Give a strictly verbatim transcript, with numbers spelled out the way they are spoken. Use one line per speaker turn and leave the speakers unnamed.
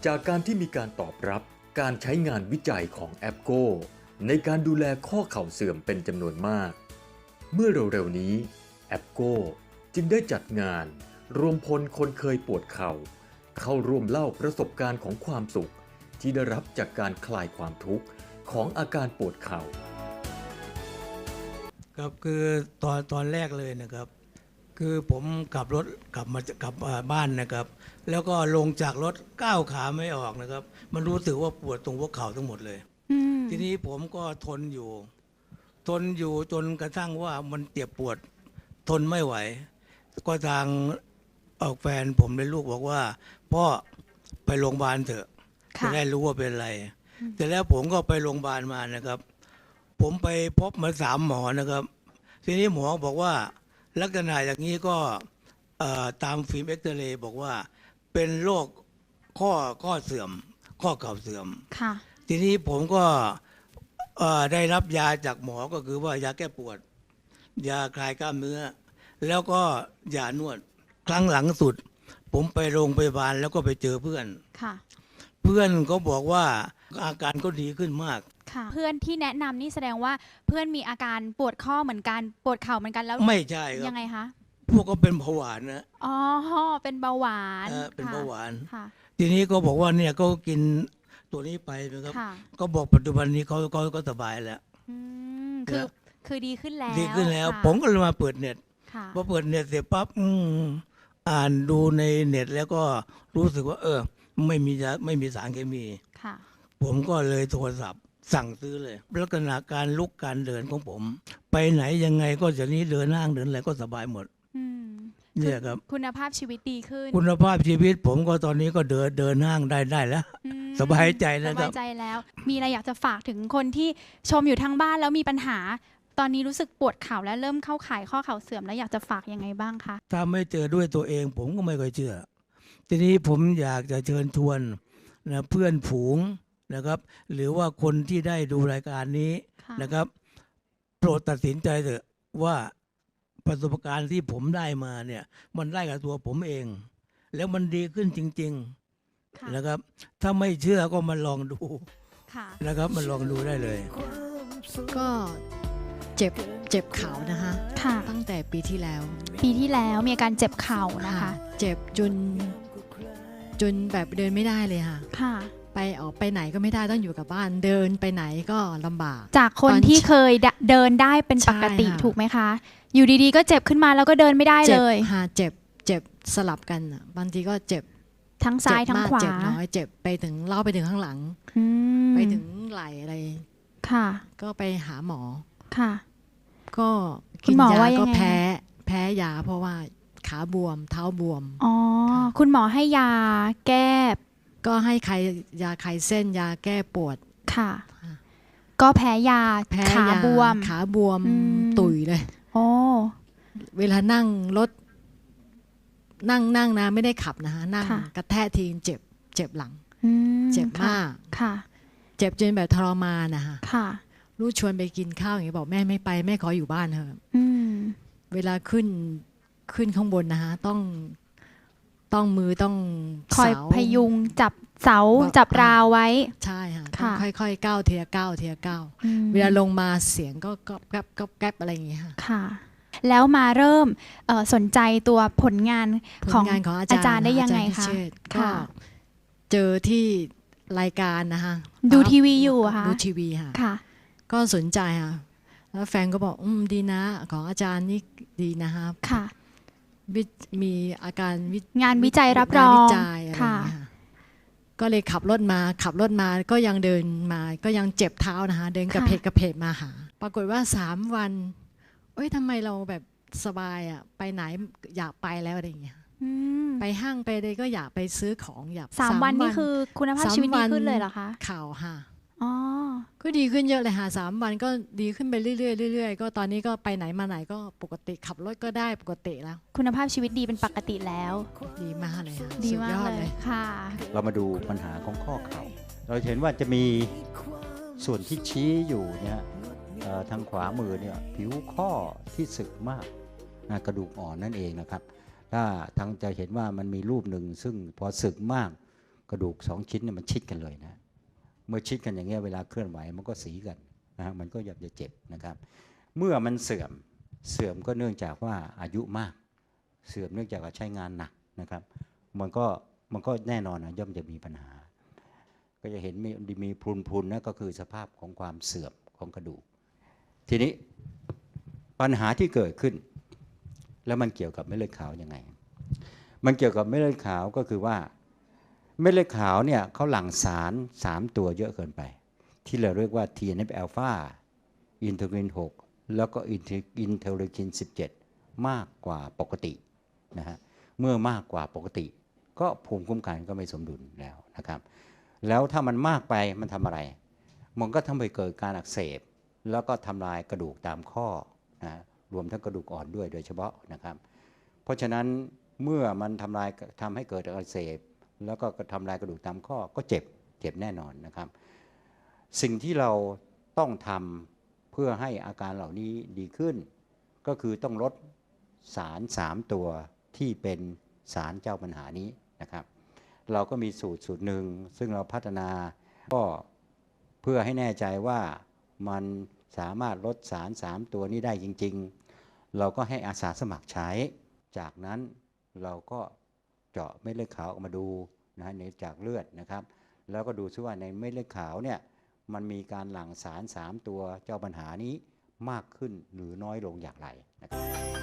จากการที่มีการตอบรับการใช้งานวิจัยของแอปโก้ในการดูแลข้อเข่าเสื่อมเป็นจำนวนมากเมื่อเร็วๆนี้แอปโก้จึงได้จัดงานรวมพลคนเคยปวดเข่าเข้าร่วมเล่าประสบการณ์ของความสุขที่ได้รับจากการคลายความทุกข์ของอาการปวดเข่า
ครับคือตอนตอนแรกเลยนะครับคือผมขับรถกลับมากลับบ้านนะครับแล้วก็ลงจากรถก้าวขาไม่ออกนะครับมันรู้สึกว่าปวดตรงหัวเข่าทั้งหมดเลยทีนี้ผมก็ทนอยู่ทนอยู่จนกระทั่งว่ามันเจ็บปวดทนไม่ไหวก็ทางออกแฟนผมในลูกบอกว่าพ่อไปโรงพยาบาลเถอะจะได้รู้ว่าเป็นอะไรแต่แล้วผมก็ไปโรงพยาบาลมานะครับผมไปพบมาสามหมอนะครับทีนี้หมอบอกว่าลักษณะอย่างนี้ก็ตามฟิล์มเอ็กซเรย์บอกว่าเป็นโรคข้อข้อเสื่อมข้อเข่าเสื่อมทีนี้ผมก็ได้รับยาจากหมอก็คือว่ายาแก้ปวดยาคลายกล้ามเนื้อแล้วก็ยานวดครั้งหลังสุดผมไปโรงพยาบาลแล้วก็ไปเจอเพื่อนเพื่อนก็บอกว่าอาการก็ดีขึ้นมาก
เพื่อนที่แนะนำนี่แสดงว่าเพื่อนมีอาการปวดข้อเหมือนกันปวดเข่าเหมือนกันแล้ว
ไม่ใช่ครับ
ยังไงคะ
พวกก็เป็นเบาหวานนะ
อ๋อเป็นเบาหวาน
เป็นเบาหวานทีนี้ก็บอกว่าเนี่ยก็กินตัวนี้ไปนะครับก็บอกปัจจุบันนี้เขาก็ก็สบายแล้ว
คือคือดีขึ้นแล้ว
ดีขึ้นแล้วผมก็เลยมาเปิดเน็ตพอเปิดเน็ตเสร็จปั๊บอ่านดูในเน็ตแล้วก็รู้สึกว่าเออไม่มีไม่มีสารเคมีผมก็เลยโทรศัพท์สั่งซื้อเลยลักษณะการลุกการเดินของผมไปไหนยังไงก็จะนี้เดินห้างเดินอะไรก็สบายหมดเนี่ยครับ
คุณภาพชีวิตดีขึ้น
คุณภาพชีวิตผมก็ตอนนี้ก็เดินเดินห้างได้ได้แล้วสบายใจแล้วครับ
สบายใจแล้วมีอะไรอยากจะฝากถึงคนที่ชมอยู่ทางบ้านแล้วมีปัญหาตอนนี้รู้สึกปวดเข่าและเริ่มเข้าข่ายข้อเข่าเสื่อมแล้วอยากจะฝากยังไงบ้างคะ
ถ้าไม่เจอด้วยตัวเองผมก็ไม่ค่อยเชื่อทีนี้ผมอยากจะเชิญชวนนะเพื่อนฝูงนะครับหรือว่าคนที่ได้ดูรายการนี้นะครับโปรดตัดสินใจเถอะว่าประสบการณ์ที่ผมได้มาเนี่ยมันได้กับตัวผมเองแล้วมันดีขึ้นจริงๆนะครับถ้าไม่เชื่อก็มาลองดูนะครับมาลองดูได้เลย
ก็เจ็บเจ็บเข่านะคะตั้งแต่ปีที่แล้ว
ปีที่แล้วมีอาการเจ็บเข่านะคะ
เจ็บจนจนแบบเดินไม่ได้เลยค่ะไปออกไปไหนก็ไม่ได้ต้องอยู่กับบ้านเดินไปไหนก็ลำบาก
จากคนที่เคยเดินได้เป็นปกติถูกไหมคะอยู่ดีๆก็เจ็บขึ้นมาแล้วก็เดินไม่ได้เลย
เจ็บค่ะเจ็บเจ็บสลับกันบางทีก็เจ็บ
ทั้งซ้ายทั้งขวา
เจ็บน้อยเจ็บไปถึงเล่าไปถึงข้างหลังไปถึงไหล่อะไร
ค่ะ
ก็ไปหาหมอ
ค่ะ
ก็กินยาก็แพ้แพ้ยาเพราะว่าขาบวมเท้าบวม
อ๋อคุณหมอให้ยาแก้
ก็ให้ใครยาคลายเส้นยาแก้ปวด
ค่ะก็แพ้ยาขาบวม
ขาบวมตุ๋ยเลย
โอ้
เวลานั่งรถนั่งนั่งนะไม่ได้ขับนะคะนั่งกระแทกทีเจ็บเจ็บหลังเจ็บมาก
ค่ะ
เจ็บจนแบบทรมานนะคะค่ะลูกชวนไปกินข้าวอย่างนี้บอกแม่ไม่ไปแม่ขออยู่บ้านเถอะเวลาขึ้นขึ้นข้างบนนะคะต้องต้องมือต้อง
คอยพยุงจับเสาจับราวไว้
ใช่ค่ะต้องค่อยๆก้าวเทียก้าวเทียก้าวเวลาลงมาเสียงก็ก๊อบแก๊บก๊อบแก๊บอะไรอย่างเงี้ย
ค่ะแล้วมาเริ่มสนใจตัวผลงานของอาจารย์ได้ยังไงคะ
ก็เจอที่รายการนะคะ
ดูทีวีอยู่ค่ะ
ดูทีวีค่ะก็สนใจค่ะแล้วแฟนก็บอกอืมดีนะของอาจารย์นี่ดีนะคะ
ค่ะ
มีอาการ
งานวิจัยรับรอง
ค่ะก็เลยขับรถมาขับรถมาก็ยังเดินมาก็ยังเจ็บเท้านะคะเดินกระเพกกระเพกมาหาปรากฏว่าสามวันเอ้ยทำไมเราแบบสบายอ่ะไปไหนอยากไปแล้วอะไรอย่างเงี้ยไปห้างไปเลยก็อยากไปซื้อของอยาก
สามวันนี่คือคุณภาพชีวิตดีขึ้นเลยเหรอคะ
ข่าวค่ะ
อ๋อ
ก็ดีขึ้นเยอะเลยค่ะสามวันก็ดีขึ้นไปเรื่อยๆเรื่อยๆก็ตอนนี้ก็ไปไหนมาไหนก็ปกติขับรถก็ได้ปกติแล้ว
คุณภาพชีวิตดีเป็นปกติแล้ว
ดีมากเลย
ดีมากเลยค่ะ
เรามาดูปัญหาของข้อเข่าเราเห็นว่าจะมีส่วนที่ชี้อยู่เนี่ยทางขวามือเนี่ยผิวข้อที่สึกมากกระดูกอ่อนนั่นเองนะครับถ้าทางจะเห็นว่ามันมีรูปหนึ่งซึ่งพอสึกมากกระดูกสองชิ้นเนี่ยมันชิดกันเลยนะเมื่อชิดกันอย่างเงี้ยเวลาเคลื่อนไหวมันก็สีกันนะฮะมันก็อยากจะเจ็บนะครับเมื่อมันเสื่อมเสื่อมก็เนื่องจากว่าอายุมากเสื่อมเนื่องจากว่าใช้งานหนักนะครับมันก็มันก็แน่นอนนะย่อมจะมีปัญหาก็จะเห็นมีมีพรุนๆนะก็คือสภาพของความเสื่อมของกระดูกทีนี้ปัญหาที่เกิดขึ้นแล้วมันเกี่ยวกับเม็ดเลือดขาวยังไงมันเกี่ยวกับเม็ดเลือดขาวก็คือว่าเม็ดเลือดขาวเนี่ยเขาหลั่งสารสามตัวเยอะเกินไปที่เราเรียกว่า ที เอ็น เอฟ อัลฟา อินเทอร์ลินหกแล้วก็อินเทอร์ลินสิบเจ็ดมากกว่าปกตินะฮะเมื่อมากกว่าปกติก็ภูมิคุ้มกันก็ไม่สมดุลแล้วนะครับแล้วถ้ามันมากไปมันทำอะไรมันก็ทำให้เกิดการอักเสบแล้วก็ทำลายกระดูกตามข้อนะรวมทั้งกระดูกอ่อนด้วยโดยเฉพาะนะครับเพราะฉะนั้นเมื่อมันทำลายทำให้เกิดอักเสบแล้วก็ทำลายกระดูกตามข้อก็เจ็บเจ็บแน่นอนนะครับสิ่งที่เราต้องทำเพื่อให้อาการเหล่านี้ดีขึ้นก็คือต้องลดสารสามตัวที่เป็นสารเจ้าปัญหานี้นะครับเราก็มีสูตรสูตรหนึ่งซึ่งเราพัฒนาก็เพื่อให้แน่ใจว่ามันสามารถลดสารสามตัวนี้ได้จริงๆเราก็ให้อาสาสมัครใช้จากนั้นเราก็เจาะเม็ดเลือดขาวออกมาดูนะในจากเลือดนะครับแล้วก็ดูซิว่าในเม็ดเลือดขาวเนี่ยมันมีการหลั่งสารสามตัวเจ้าปัญหานี้มากขึ้นหรือน้อยลงอย่างไรนะครับ